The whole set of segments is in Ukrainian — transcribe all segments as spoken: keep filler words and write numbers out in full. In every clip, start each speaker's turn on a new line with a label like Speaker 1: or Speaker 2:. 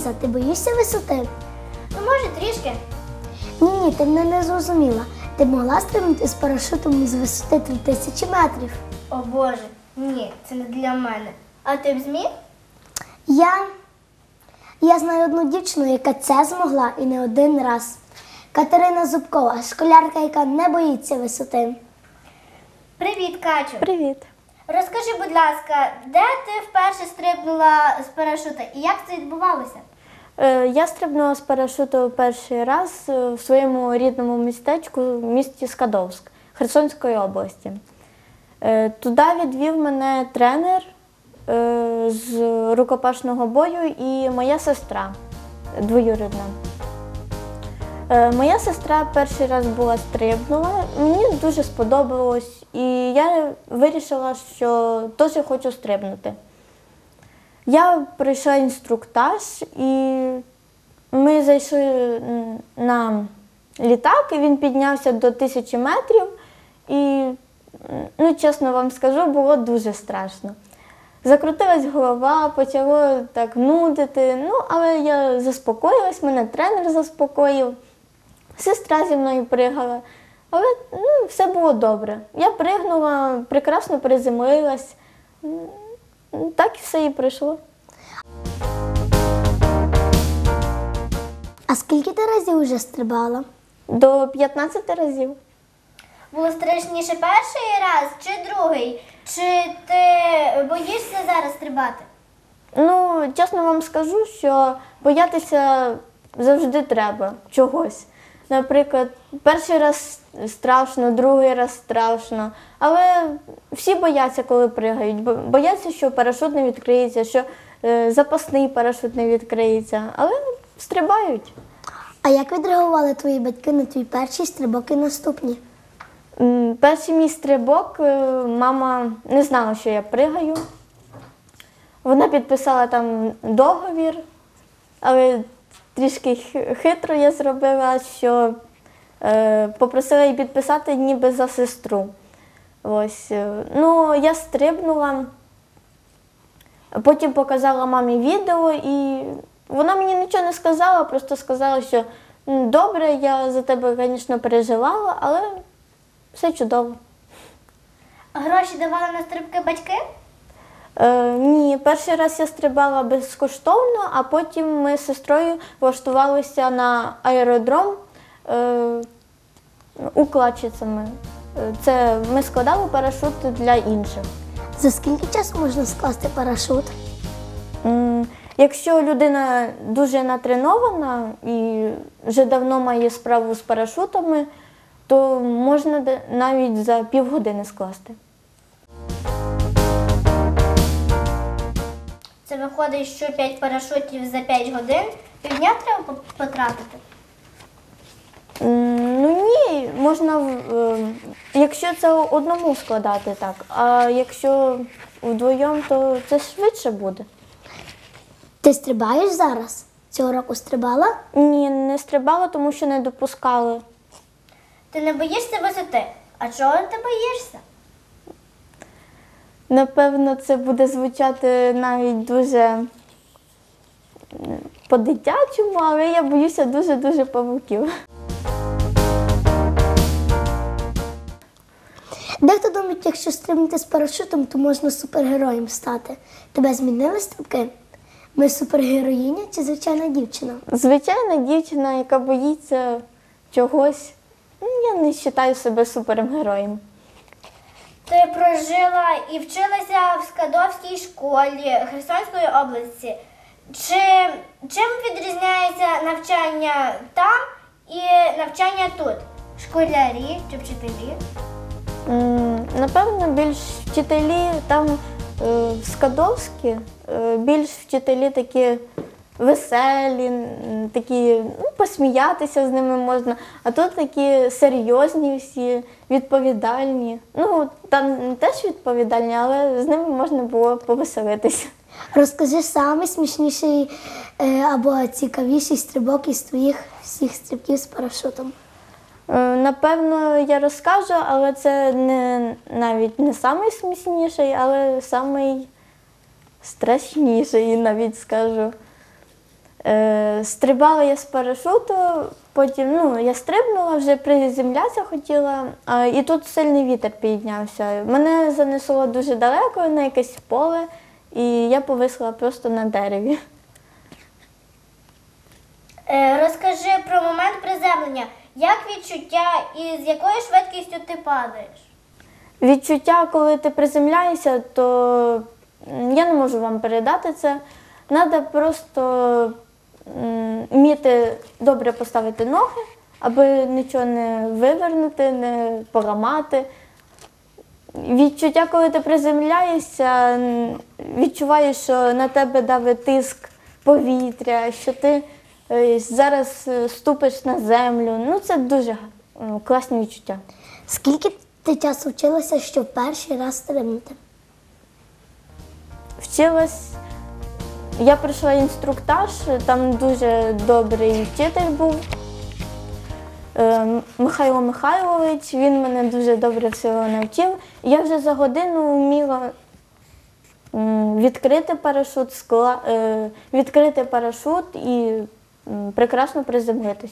Speaker 1: Ліза, ти боїшся висоти?
Speaker 2: Ну, може, трішки.
Speaker 1: Ні, ти мене не зрозуміла. Ти б могла стрибнути з парашутом з висоти три тисячі метрів?
Speaker 2: О Боже, ні, це не для мене. А ти б зміг?
Speaker 1: Я... Я знаю одну дівчину, яка це змогла і не один раз. Катерина Зубкова, школярка, яка не боїться висоти.
Speaker 2: Привіт, Катю.
Speaker 3: Привіт.
Speaker 2: Розкажи, будь ласка, де ти вперше стрибнула з парашута і як це відбувалося?
Speaker 3: Е, Я стрибнула з парашуту перший раз е, в своєму рідному містечку в місті Скадовськ Херсонської області. Е, Туди відвів мене тренер е, з рукопашного бою і моя сестра двоюрідна. Е, Моя сестра перший раз була стрибнула, мені дуже сподобалось, і я вирішила, що теж хочу стрибнути. Я пройшла інструктаж, і ми зайшли на літак, і він піднявся до тисячі метрів, і, ну, чесно вам скажу, було дуже страшно. Закрутилась голова, почало так нудити, ну, але я заспокоїлась, мене тренер заспокоїв. Сестра зі мною пригала, але ну, все було добре. Я пригнула, прекрасно приземлилась, так і все і пройшло.
Speaker 1: А скільки ти разів вже стрибала?
Speaker 3: До п'ятнадцяти разів.
Speaker 2: Було страшніше перший раз чи другий? Чи ти боїшся зараз стрибати?
Speaker 3: Ну, чесно вам скажу, що боятися завжди треба чогось. Наприклад, перший раз страшно, другий раз страшно, але всі бояться, коли пригають. Бояться, що парашут не відкриється, що е, запасний парашут не відкриється, але стрибають.
Speaker 1: А як відреагували твої батьки на твій перший стрибок і наступні?
Speaker 3: М, Перший мій стрибок, е, мама не знала, що я пригаю. Вона підписала там договір, але трішки хитро я зробила, що е, попросила її підписати ніби за сестру. Ось. Ну, я стрибнула, потім показала мамі відео, і вона мені нічого не сказала, просто сказала, що добре, я за тебе, звісно, переживала, але все чудово.
Speaker 2: Гроші давали на стрибки батьки?
Speaker 3: Е, ні, перший раз я стрибала безкоштовно, а потім ми з сестрою влаштувалися на аеродром е, укладчицями. Е, Це ми складали парашут для інших.
Speaker 1: За скільки часу можна скласти парашут?
Speaker 3: М, Якщо людина дуже натренована і вже давно має справу з парашутами, то можна де- навіть за півгодини скласти.
Speaker 2: Це виходить, що п'ять парашутів за п'ять годин, півдня треба по- потратити.
Speaker 3: М, Ну ні, можна, в- е, якщо це одному складати так, а якщо вдвоєм, то це швидше буде.
Speaker 1: Ти стрибаєш зараз? Цього року стрибала?
Speaker 3: Ні, не стрибала, тому що не допускали.
Speaker 2: Ти не боїшся висоти? А чого ти боїшся?
Speaker 3: Напевно, це буде звучати навіть дуже м, по-дитячому, але я боюся дуже-дуже павуків.
Speaker 1: Дехто думає, якщо стрибнути з парашутом, то можна супергероєм стати. Тебе змінили стрибки? Ми супергероїня чи звичайна дівчина?
Speaker 3: Звичайна дівчина, яка боїться чогось, ну, я не вважаю себе супергероєм.
Speaker 2: Ти прожила і вчилася в Скадовській школі Херсонської області. Чи, чим відрізняється навчання там і навчання тут? Школярі чи вчителі?
Speaker 3: М, Напевно, більш вчителі там е, в Скадовській, е, більш вчителі такі веселі, м, такі, ну, посміятися з ними можна, а тут такі серйозні всі, відповідальні. Ну, там теж відповідальні, але з ними можна було повеселитися.
Speaker 1: Розкажи самий смішніший е, або цікавіший стрибок із твоїх всіх стрибків з парашутом.
Speaker 3: Е, Напевно, я розкажу, але це не, навіть не найсмішніший, але найстрашніший, навіть скажу. Е, стрибала я з парашуту, потім ну, я стрибнула, вже приземлятися хотіла, а, і тут сильний вітер піднявся. Мене занесло дуже далеко на якесь поле, і я повисла просто на дереві.
Speaker 2: Е, розкажи про момент приземлення. Як відчуття і з якою швидкістю ти падаєш?
Speaker 3: Відчуття, коли ти приземляєшся, то м, я не можу вам передати це. Треба просто м, вміти добре поставити ноги, аби нічого не вивернути, не поламати. Відчуття, коли ти приземляєшся, м, відчуваєш, що на тебе давить тиск повітря, що ти е, зараз е, ступиш на землю. Ну, це дуже е, класні відчуття.
Speaker 1: Скільки ти часу вчилася, щоб перший раз стрибнути?
Speaker 3: Вчилась, я пройшла інструктаж, там дуже добрий вчитель був, е, Михайло Михайлович, він мене дуже добре всього навчив. Я вже за годину вміла м, відкрити парашут, скла, е, відкрити парашут і м, прекрасно приземлитись.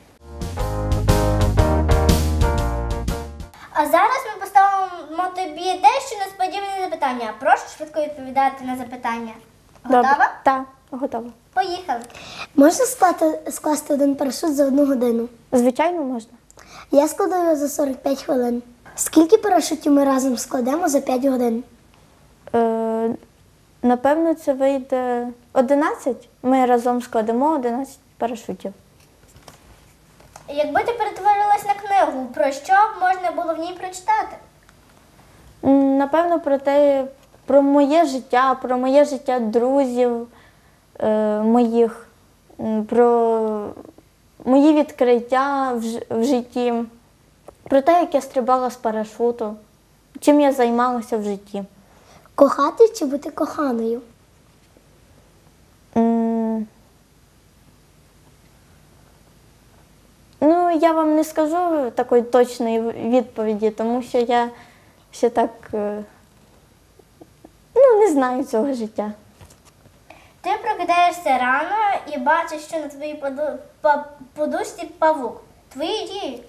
Speaker 2: А зараз ми поставимо тобі дещо несподіване запитання. Прошу швидко відповідати на запитання. Готова?
Speaker 3: Так, готова.
Speaker 2: Поїхали.
Speaker 1: Можна склати, скласти один парашут за одну годину?
Speaker 3: Звичайно, можна.
Speaker 1: Я складу його за сорок п'ять хвилин. Скільки парашутів ми разом складемо за п'ять годин?
Speaker 3: Е, напевно, це вийде одинадцять. Ми разом складемо одинадцять парашутів.
Speaker 2: Якби ти перетворилась на книгу, про що б можна було в ній прочитати?
Speaker 3: М, Напевно, про те, про моє життя, про моє життя друзів е, моїх, м, про мої відкриття в, ж- в житті, про те, як я стрибала з парашуту, чим я займалася в житті.
Speaker 1: Кохати чи бути коханою?
Speaker 3: М, Ну, я вам не скажу такої точної відповіді, тому що я ще так е, ну, не знаю цього життя.
Speaker 2: Ти прокидаєшся рано і бачиш, що на твоїй поду- па- подушці павук. Твої дії.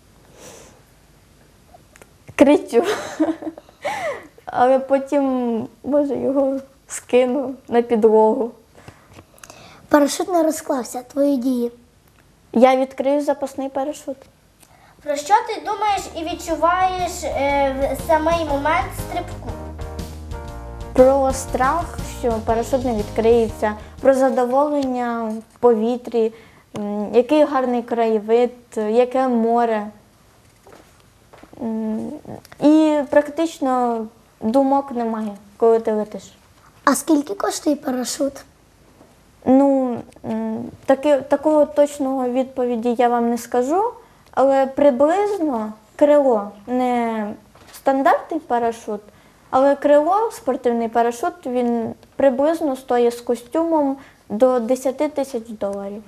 Speaker 3: Кричу. Але потім, може, його скину на підлогу.
Speaker 1: Парашут не розклався. Твої дії.
Speaker 3: Я відкрию запасний парашут.
Speaker 2: Про що ти думаєш і відчуваєш е, в самий момент стрибку?
Speaker 3: Про страх, що парашут не відкриється, про задоволення в повітрі, м, який гарний краєвид, яке море. М, І практично думок немає, коли ти летиш.
Speaker 1: А скільки коштує парашут?
Speaker 3: Ну, м, таки, такого точного відповіді я вам не скажу, але приблизно крило, не стандартний парашут, але крило, спортивний парашут, він приблизно стоїть з костюмом до десять тисяч доларів.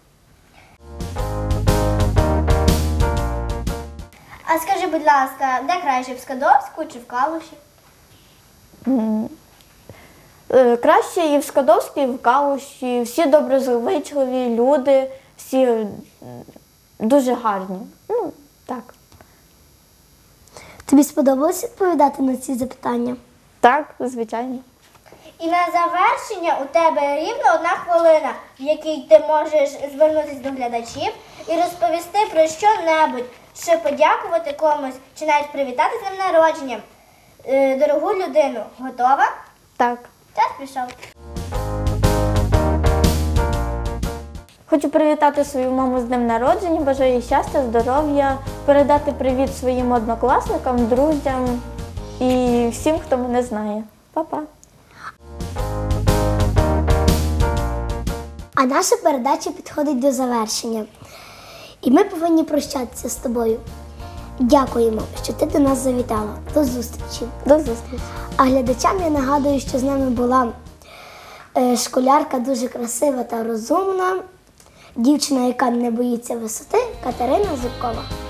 Speaker 2: А скажи, будь ласка, де краще, в Скадовську чи в Калуші?
Speaker 3: Е, Краще і в Скадовській, і в Калуші. Всі доброзичливі люди, всі м, дуже гарні. Ну, так.
Speaker 1: Тобі сподобалось відповідати на ці запитання?
Speaker 3: Так, звичайно.
Speaker 2: І на завершення у тебе рівно одна хвилина, в якій ти можеш звернутися до глядачів і розповісти про що-небудь, чи подякувати комусь, чи навіть привітати з днем народження е, дорогу людину. Готова?
Speaker 3: Так.
Speaker 2: Час пішов.
Speaker 3: Хочу привітати свою маму з днем народження, бажаю їй щастя, здоров'я, передати привіт своїм однокласникам, друзям і всім, хто мене знає. Па-па!
Speaker 1: А наша передача підходить до завершення. І ми повинні прощатися з тобою. Дякуємо, що ти до нас завітала. До зустрічі.
Speaker 3: До зустрічі!
Speaker 1: А глядачам я нагадую, що з нами була е, школярка дуже красива та розумна, дівчина, яка не боїться висоти, Катерина Зубкова.